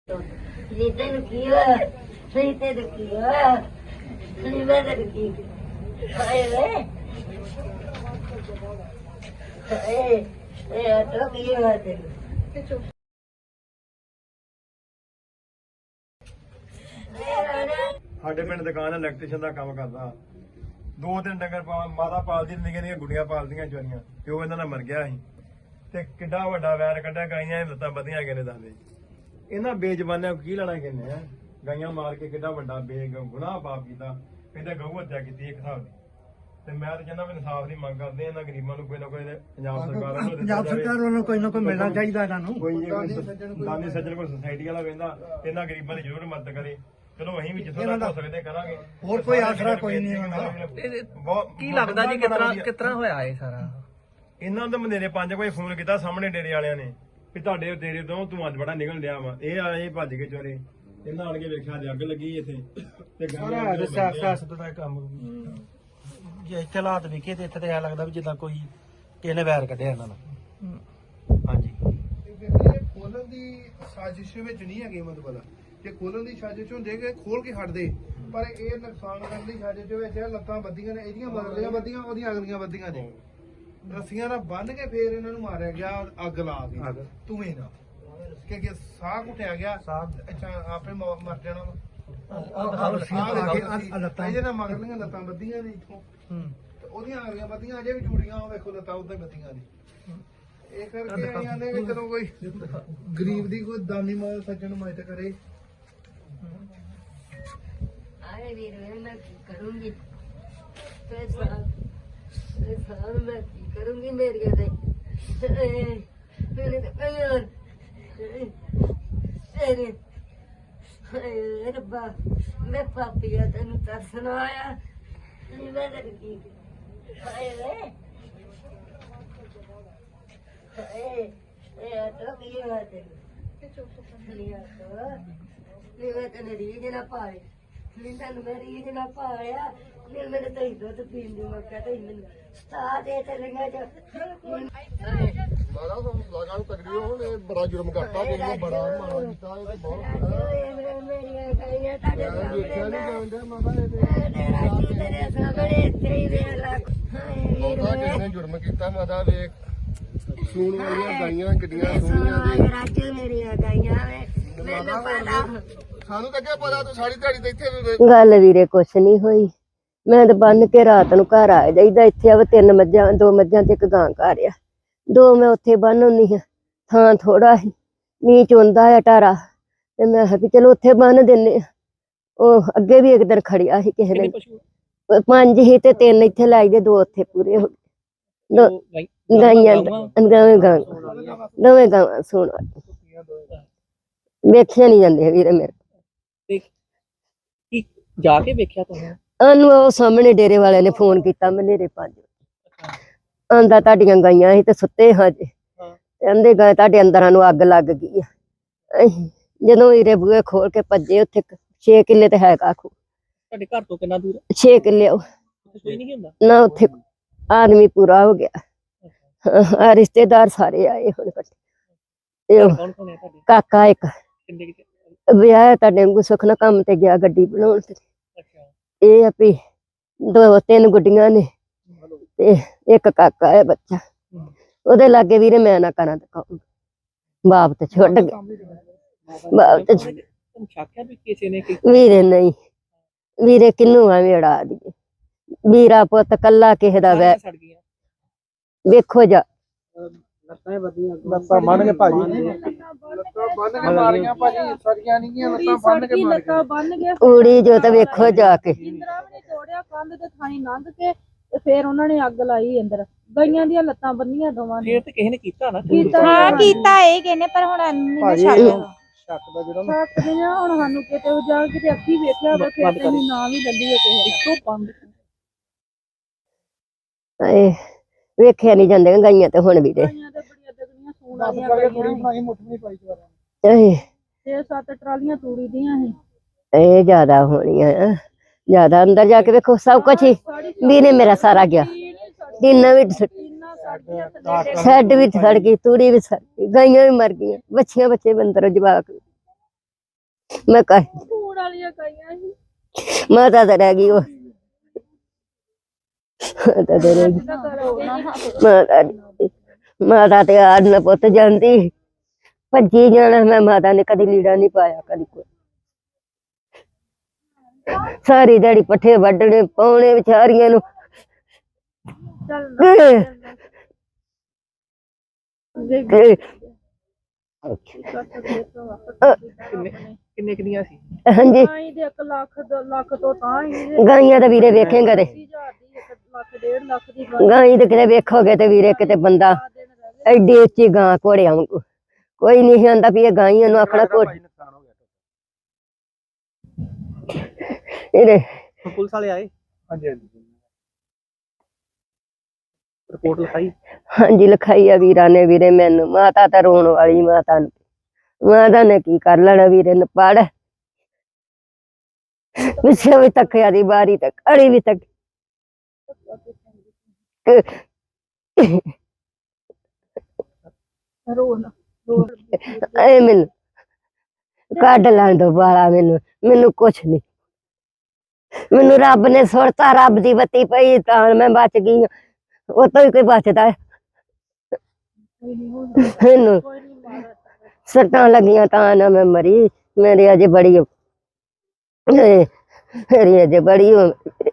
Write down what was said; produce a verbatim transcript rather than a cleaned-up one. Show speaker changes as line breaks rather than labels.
Lite Lucia, Lite Lucia, Lite Lucia. Hey, hey, hey, I told you what to do.
ਸਾਡੇ ਪਿੰਡ ਦੁਕਾਨ electrician ਦਾ ਕੰਮ ਕਰਦਾ। ਦੋ ਤਿੰਨ ਡੰਗਰ ਪਾ- ਮਾਤਾ ਪਾਲਦੀ ਨਿੱਕੀਆਂ ਨਿੱਕੀਆਂ ਗੁੱਡੀਆਂ ਪਾਲਦੀਆਂ ਚੋਰੀਆਂ ਪਿਓ ਇਹਨਾਂ ਨਾਲ ਮਰ ਗਿਆ ਸੀ ਤੇ ਕਿੱਡਾ ਵੱਡਾ ਵੈਰ ਕੱਢਿਆ। ਗਾਈਆਂ ਦੀਆਂ ਲੱਤਾਂ ਵਧੀਆਂ ਗਏ ਨੇ ਦੱਸਦੇ। ਇਹਨਾਂ ਬੇਜ਼ਬਾਨਿਆਂ ਨੂੰ ਕੀ ਲੈਣਾ ਕਹਿੰਦੇ ਆ। ਗਾਈਆਂ ਮਾਰ ਕੇ ਕਿੱਡਾ ਵੱਡਾ ਬੇ ਗੁਨਾਹ ਪਾਪ ਕੀਤਾ। ਕਹਿੰਦੇ ਗਊ ਹੱਤਿਆ ਕੀਤੀ ਇੱਕ ਹਿਸਾਬ ਦੀ। ਤੇ ਮੈਂ ਤਾਂ ਕਹਿੰਦਾ ਵੀ ਇਨਸਾਫ ਦੀ ਮੰਗ ਕਰਦੇ ਆ। ਇਹਨਾਂ ਗਰੀਬਾਂ ਨੂੰ ਕੋਈ ਨਾ ਕੋਈ ਪੰਜਾਬ ਸਰਕਾਰ ਵੱਲੋਂ
ਪੰਜਾਬ ਸਰਕਾਰ ਵੱਲੋਂ ਕੋਈ ਨਾ ਕੋਈ ਮਿਲਣਾ ਚਾਹੀਦਾ ਇਹਨਾਂ ਨੂੰ।
ਕੋਈ ਜੇ ਕੋਈ ਦਾਨੀ ਸੱਜਣ ਕੋਈ ਸੁਸਾਇਟੀ ਵਾਲਾ ਕਹਿੰਦਾ ਇਹਨਾਂ ਗਰੀਬਾਂ ਦੀ ਜ਼ਰੂਰ ਮਦਦ ਕਰੇ। ਚਲੋ ਅਸੀਂ ਵੀ ਜਿੱਥੋਂ ਤੱਕ ਹੋ ਸਕਦੇ ਕਰਾਂਗੇ।
ਹੋਰ ਕੋਈ ਆਸਰਾ ਕੋਈ ਨਹੀਂ ਇਹਨਾਂ ਦਾ।
ਬਹੁਤ
ਕੀ ਲੱਗਦਾ ਜੀ ਕਿਤਨਾ ਕਿਤਨਾ ਹੋਇਆ ਇਹ ਸਾਰਾ?
ਇਹਨਾਂ ਦਾ ਮਨੇਰੇ ਪੰਜ ਵਜੇ ਫੋਨ ਕੀਤਾ ਸਾਹਮਣੇ ਡੇਰੇ ਵਾਲਿਆਂ ਨੇ ਵੀ ਤੁਹਾਡੇ ਡੇਰੇ ਤੋਂ ਧੂੰਆਂ ਬੜਾ ਨਿਕਲ ਰਿਹਾ ਵਾ। ਇਹ ਆਏ ਭੱਜ ਕੇ ਚੋਰੇ। ਇਹਨਾਂ ਆਣ ਕੇ ਵੇਖਿਆ ਤੇ ਅੱਗ ਲੱਗੀ ਇੱਥੇ ਤੇ
ਸਾਰਾ ਦੱਸਿਆ ਸਿਆਸਤ ਦਾ ਕੰਮ। ਜੇ ਇੱਥੇ ਹਾਲਾਤ ਵੇਖੇ ਤੇ ਇੱਥੇ ਤੇ ਐ ਲੱਗਦਾ ਵੀ ਜਿੱਦਾਂ ਕੋਈ ਕਿਸੇ ਨੇ ਵੈਰ ਕੱਢਿਆ ਇਹਨਾਂ ਨਾਲ। ਹਾਂਜੀ,
ਖੋਲਣ ਦੀ ਸਾਜ਼ਿਸ਼ ਵਿੱਚ ਨਹੀਂ ਹੈਗੇ। ਮਤਲਬ ਕਿ ਖੋਲਣ ਦੀ ਸਾਜ਼ਿਸ਼ ਹੁੰਦੀ ਕਿ ਖੋਲ ਕੇ ਛੱਡਦੇ, ਪਰ ਇਹ ਨੁਕਸਾਨ ਕਰਨ ਦੀ ਸਾਜ਼ਿਸ਼ ਵਿੱਚ ਲੱਤਾਂ ਬੱਧੀਆਂ ਨੇ, ਇਹਦੀਆਂ ਮਰਲੀਆਂ ਬੱਧੀਆਂ, ਉਹਦੀਆਂ ਅਗਲੀਆਂ ਬੱਧੀਆਂ ਨੇ। ਰੱਸੀਆਂ ਨਾਲ ਬੰਨ ਕੇ ਫੇਰ ਇਹਨਾਂ ਨੂੰ ਮਾਰਿਆ ਗਿਆ ਅੱਗ ਲਾ ਕੇ ਧੂਏ ਨਾਲ, ਕਿ ਸਾਹ ਘੁੱਟਿਆ ਗਿਆ। ਅੱਛਾ ਆਪੇ ਮ- ਮਰ ਜਾਣਾ ਵਾ। ਇਹਦੇ ਨਾਲ ਮਗਰਲੀਆਂ ਲੱਤਾਂ ਬੱਧੀਆਂ ਨੇ ਇੱਥੋਂ, ਤੇ ਉਹਦੀਆਂ ਅਗਲੀਆਂ ਬੱਧੀਆਂ ਅਜੇ ਵੀ ਜੁੜੀਆਂ। ਉਹ ਵੇਖੋ ਲੱਤਾਂ ਉਦਾਂ ਹੀ ਬੱਧੀਆਂ ਨੇ। ਇਹ ਕਰਕੇ ਆਈਆਂ ਨੇ ਵੀ ਚਲੋ ਕੋਈ ਗਰੀਬ ਦੀ ਕੋਈ ਦਾਨੀ ਮਾਲ ਸੱਜਣ ਮਦਦ ਕਰੇ।
अरे वीर मैं की करूंगी पैसा पैसा मैं की करूंगी मेरी मेरे तेरे रब्बा मैं पापिया तेन तरसना आया मैं तेरी की हाय वे हाय ए तो की बात है लिया तो लिया तेरे रीज ना पाए ਮੈਨੂੰ ਮੇਰੀ ਇਹ ਨਾ ਪਾਇਆ ਨੇ ਮੇਰੇ ਤਾਂ ਦੁੱਧ ਪੀਣ ਦੀ ਮੌਕਾ ਤੇ ਮੈਨੂੰ ਸਤਾ ਦੇ ਤੇ ਲੰਗਾ ਜਾ
ਮਾਰਾ ਲਗਾ ਨੂੰ ਤਕੜੀ ਹੋਣ। ਇਹ ਬੜਾ ਜੁਰਮ ਕਰਤਾ, ਜਿਹਨੇ ਬੜਾ ਮਾਰਾ ਕੀਤਾ। ਇਹ ਬਹੁਤ
ਮੇਰੀਆਂ ਗਾਈਆਂ ਤੁਹਾਡੇ
ਦੇਖਿਆ ਨਹੀਂ
ਸਾਹਮਣੇ
ਜਾਂਦਾ ਮਾਰਾ। ਇਹ
ਤੇਰੇ ਸਾਹਮਣੇ ਇੱਥੇ ਹੀ ਵੇਖ ਲੈ
ਬਹੁਤਾ ਕਿਸੇ ਨੇ ਜੁਰਮ ਕੀਤਾ। ਮਾਤਾ ਵੇਖ ਸੂਣ ਵਾਲੀਆਂ ਗਾਈਆਂ ਕਿੱਡੀਆਂ ਸੋਹਣੀਆਂ ਦੇ।
ਰਾਜੂ ਮੇਰੀਆਂ ਗਾਈਆਂ ਵੇ ਮੈਨੂੰ ਪਤਾ
ਸਾਨੂੰ ਤਾਂ ਕਿਹਾ ਪਤਾ ਤੂੰ ਸਾਰੀ ਦਿਹਾੜੀ ਤੇ ਇੱਥੇ
ਗੱਲ ਵੀਰੇ ਕੁਛ ਨਹੀਂ ਹੋਈ। ਮੈਂ ਤਾਂ ਬੰਨ ਕੇ ਰਾਤ ਨੂੰ ਘਰ ਆ ਜਾਈਦਾ। ਇੱਥੇ ਆਵੇ ਤਿੰਨ ਮੱਝਾਂ, ਦੋ ਮੱਝਾਂ ਤੇ ਇੱਕ ਗਾਂ ਘਰ ਆ। ਦੋ ਮੈਂ ਉੱਥੇ ਬੰਨ ਹੁੰਦੀ ਹਾਂ। ਥਾਂ ਥੋੜਾ ਸੀ, ਮੀਂਹ ਚੋਂਦਾ ਆ ਟਾਰਾ, ਤੇ ਮੈਂ ਕਿਹਾ ਵੀ ਚਲੋ ਉੱਥੇ ਬੰਨ ਦਿੰਨੇ ਆ। ਉਹ ਅੱਗੇ ਵੀ ਇੱਕ ਦਿਨ ਖੜਿਆ ਸੀ ਕਿਸੇ ਨੇ। ਪੰਜ ਹੀ ਤੇ ਤਿੰਨ ਇੱਥੇ ਲਾਈ ਦੇ, ਦੋ ਉੱਥੇ ਪੂਰੇ ਹੋ ਗਏ। ਦੋ ਗਾਈਆਂ ਦੋਵੇਂ ਗਾਂ ਦੋਵੇਂ ਗਾਵਾਂ ਸੁਣ ਵੇਖਿਆ ਨਹੀਂ ਜਾਂਦੇ ਵੀਰੇ ਮੇਰੇ।
ਕੀ ਜਾ ਕੇ ਵੇਖਿਆ ਤੁਸੀਂ?
ਉਹਨੂੰ ਉਹ ਸਾਹਮਣੇ ਡੇਰੇ ਵਾਲਿਆਂ ਨੇ ਫੋਨ ਕੀਤਾ ਮਨੇਰੇ ਪੰਜ ਆਂਦਾ ਤੁਹਾਡੀਆਂ ਗਾਈਆਂ ਸੀ ਤੇ ਸੁੱਤੇ ਹਾਂ ਜੇ। ਕਹਿੰਦੇ ਗਏ ਤੁਹਾਡੇ ਅੰਦਰਾਂ ਨੂੰ ਅੱਗ ਲੱਗ ਗਈ ਆ। ਅਸੀਂ ਜਦੋਂ ਵੀਰੇ ਬੂਹੇ ਖੋਲ ਕੇ ਭੱਜੇ, ਉੱਥੇ ਛੇ ਕਿੱਲੇ ਤੇ ਹੈਗਾ ਖੂ।
ਤੁਹਾਡੇ ਘਰ ਤੋਂ ਕਿੰਨਾ ਦੂਰ?
ਛੇ ਕਿੱਲੇ ਉਹ
ਕੋਈ ਨਹੀਂ ਹੁੰਦਾ
ਨਾ। ਉੱਥੇ ਆਦਮੀ ਪੂਰਾ ਹੋ ਗਿਆ। ਆ ਰਿਸ਼ਤੇਦਾਰ ਸਾਰੇ ਆਏ ਹੁਣ ਇਕੱਠੇ। ਤੇ ਉਹ
ਕੌਣ ਕੌਣ ਹੈ ਤੁਹਾਡੇ?
ਕਾਕਾ ਇੱਕ
ਕਿੰਨੇ ਕਿਤੇ?
ਵਿਆਹ ਤੁਹਾਡੇ ਵਾਂਗੂ ਸੁੱਖ ਨਾਲ ਕੰਮ ਤੇ ਗਿਆ ਗੱਡੀ ਬਣਾਉਣ ਤੇ।
ਅੱਛਾ,
ਇਹ ਆ ਵੀ ਦੋ ਤਿੰਨ ਗੁੱਡੀਆਂ ਨੇ ਤੇ ਇੱਕ ਕਾਕਾ ਹੈ ਬੱਚਾ। ਉਹਦੇ ਲਾਗੇ ਵੀਰੇ ਮੈਂ ਨਾ ਕਰਾਂ ਤਾਂ ਕਹੂੰ ਬਾਪ ਤੇ ਛੱਡ ਗਿਆ। ਬਾਪ ਤੇ ਛੱਡ-
ਤੁਹਾਨੂੰ ਸ਼ੱਕ ਹੈ ਵੀ ਕਿਸੇ ਨੇ ਕੀ
ਵੀਰੇ ਨਹੀਂ ਵੀਰੇ ਕਿੰਨੂੰ ਆ ਵੇੜਾ ਦੀ ਵੀਰਾ ਪੁੱਤ ਕੱਲਾ ਕਿਸੇ ਦਾ ਵੈ
ਸੜ ਗਈਆਂ?
ਵੇਖੋ ਜਾ
ਲੱਤਾਂ ਬੰਨ ਕੇ ਭਾਜੀ
ਲੱਤਾਂ ਬੰਨ ਕੇ ਮਾਰੀਆਂ ਭਾਜੀ। ਸੜੀਆਂ ਨਹੀਂ ਗਈਆਂ ਲੱਤਾਂ ਬੰਨ ਕੇ ਮਾਰੀਆਂ।
ਲੱਤਾਂ ਬੰਨ ਕੇ
ਊੜੀ ਜੋ ਤਾਂ ਵੇਖੋ ਜਾ ਕੇ।
ਇੰਦਰਾ ਵੀ ਨੇ ਤੋੜਿਆ ਕੰਧ ਤੇ ਥਾਣੀ ਲੰਘ ਕੇ ਤੇ ਫੇਰ ਉਹਨਾਂ ਨੇ ਅੱਗ ਲਾਈ ਅੰਦਰ। ਗਈਆਂ ਦੀਆਂ ਲੱਤਾਂ ਬੰਨੀਆਂ ਦੋਵਾਂ ਨੇ।
ਫੇਰ ਤੇ ਕਿਸੇ ਨੇ ਕੀਤਾ ਨਾ।
ਕੀਤਾ
ਹਾਂ ਕੀਤਾ ਇਹ ਕਹਿੰਦੇ ਪਰ ਹੁਣ ਨਹੀਂ
ਭਾਜੀ,
ਛੱਡ
ਸ਼ੱਕ ਦਾ ਜਿਹੜਾ
ਸਕਦੇ ਆ ਹੁਣ ਸਾਨੂੰ ਕਿਤੇ ਉਹ ਜਾ ਕਿਤੇ ਅੱਖੀ ਵੇਖਿਆ ਹੋਵੇ ਫਿਰ ਤੇ ਅਸੀਂ ਨਾਂ ਵੀ ਲੱਲੀ ਹੈ ਕਿਸੇ ਦਾ।
ਇੱਕੋ ਬੰਦ
ਏ ਵੇਖਿਆ ਨਹੀਂ ਜਾਂਦੇ ਗਾਈਆਂ ਤੇ ਹੁਣ ਵੀਰੇ।
ਗਈਆਂ ਤੇ ਬੜੀਆਂ ਦਗਨੀਆਂ ਸੂਣ
ਦਸ
ਵਾਲੀਆਂ
ਕਰਕੇ
ਗਈਆਂ
ਥੋੜੀ ਬਣਾਈ, ਮੁੱਠ ਨਹੀਂ ਪਾਈ ਦੁਆਰਾ।
ਇਹ
ਛੇ ਸੱਤ ਟਰਾਲੀਆਂ ਤੂੜੀ ਦੀਆਂ ਸੀ।
ਇਹ ਜ਼ਿਆਦਾ ਹੋਣੀਆਂ ਆ। ਜ਼ਿਆਦਾ ਅੰਦਰ ਜਾ ਕੇ ਵੇਖੋ ਸਭ ਕੁਛ ਹੀ ਵੀਰੇ ਮੇਰਾ ਸਾਰਾ ਗਿਆ। ਟੀਨਾ ਵੀ
ਟੀਨਾਂ ਸੜ ਗਈਆਂ ਥੱਲੇ।
ਸ਼ੈੱਡ ਵੀ ਸੜ ਗਈ, ਤੂੜੀ ਵੀ ਸੜ ਗਈ, ਗਾਈਆਂ ਵੀ ਮਰ ਗਈਆਂ, ਬੱਚੀਆਂ ਬੱਚੇ ਬੰਦਰ ਜਵਾਕ। ਮੈਂ ਕਹ
ਫੂਡ ਵਾਲੀਆਂ ਗਾਈਆਂ ਸੀ
ਮਾਤਾ ਤਾਂ ਰਹਿ ਗਈ ਉਹ ਮਾਤਾ ਤਾਂ ਰਹਿ ਗਈ
ਨਾ ਕਰੋ ਨਾ
ਮਾਤਾ ਦੀ- ਮਾਤਾ ਤੇ ਆੜ ਨਾ ਪੁੱਤ ਜਾਂਦੀ ਭੱਜੀ ਜਾਣਾ ਮੈਂ ਮਾਤਾ ਨੇ ਕਦੀ ਲੀੜਾ ਨਹੀਂ ਪਾਇਆ ਕਦੀ ਕੋਈ ਸਾਰੀ ਦਿਹਾੜੀ ਪੱਠੇ ਵੱਢਣੇ ਪਾਉਣੇ ਵਿਚਾਰੀਆਂ ਨੂੰ
ਚੱਲ
ਤੇ
ਕਿੰਨੇ ਕਿੰਨੇ ਕਿੰਨੀਆਂ ਸੀ
ਹਾਂਜੀ
ਤਾਂ ਹੀ ਦੇ ਇੱਕ ਲੱਖ ਦੋ ਲੱਖ ਤੋਂ ਤਾਂ ਹੀ
ਗਾਈਆਂ ਤਾਂ ਵੀਰੇ ਵੇਖੇਂਗਾ ਤੇ
ਹਜ਼ਾਰ ਦੀ ਇੱਕ ਲੱਖ ਡੇਢ ਲੱਖ ਦੀ ਗਾਂ
ਗਾਈ ਤੇ ਕਿਤੇ ਵੇਖੋਗੇ ਤੇ ਵੀਰੇ ਕਿਤੇ ਬੰਦਾ
ਦਿਨ ਰਹਿ ਗਏ
ਐਡੀ ਉੱਚੀ ਗਾਂ ਘੋੜਿਆਂ ਵਾਂਗੂ ਕੋਈ ਨਹੀਂ ਆਂਦਾ ਵੀ ਇਹ ਗਾਈਆਂ ਨੂੰ ਆਖਣਾ ਘੋੜ ਇਹਦੇ
ਹੁਣ ਪੁਲਿਸ ਵਾਲੇ ਆਏ
ਹਾਂਜੀ ਹਾਂਜੀ
ਰਿਪੋਰਟ ਲਿਖਾਈ
ਹਾਂਜੀ ਲਿਖਾਈ ਆ ਵੀਰਾਂ ਨੇ ਵੀਰੇ ਮੈਨੂੰ ਮਾਤਾ ਤਾਂ ਰੋਣ ਵਾਲੀ ਮਾਤਾ ਨੂੰ ਮਾਤਾ ਨੇ ਕੀ ਕਰ ਲੈਣਾ ਵੀਰੇ ਨੇ ਪੜ ਪਿੱਛੇ ਵੀ ਤੱਕਿਆ ਦੀ ਬਾਰੀ ਤੱਕ ਅੜੀ ਵੀ ਤੱਕ
ਰੋਣ ਰੋਣ
ਐ ਮੈਨੂੰ ਕੱਢ ਲੈਣ ਦੋ ਬਾਲਾ ਮੈਨੂੰ ਮੈਨੂੰ ਕੁਛ ਨਹੀਂ ਮੈਨੂੰ ਰੱਬ ਨੇ ਸੁਰਤਾ ਰੱਬ ਦੀ ਬੱਤੀ ਪਈ ਤਾਂ ਮੈਂ ਬਚ ਗਈ ਹਾਂ। ਉਹ ਤੋਂ ਹੀ ਕੋਈ ਬਚਦਾ ਹੈ
ਕੋਈ ਨਹੀਂ ਹੁੰਦਾ
ਮੈਨੂੰ
ਕੋਈ ਨਹੀਂ ਮਾਰਾ
ਸੱਟਾਂ ਲੱਗੀਆਂ ਤਾਂ ਨਾ ਮੈਂ ਮਰੀ ਮੇਰੀ ਅਜੇ ਬੜੀ ਇਹ ਮੇਰੀ ਅਜੇ ਬੜੀ ਉਹ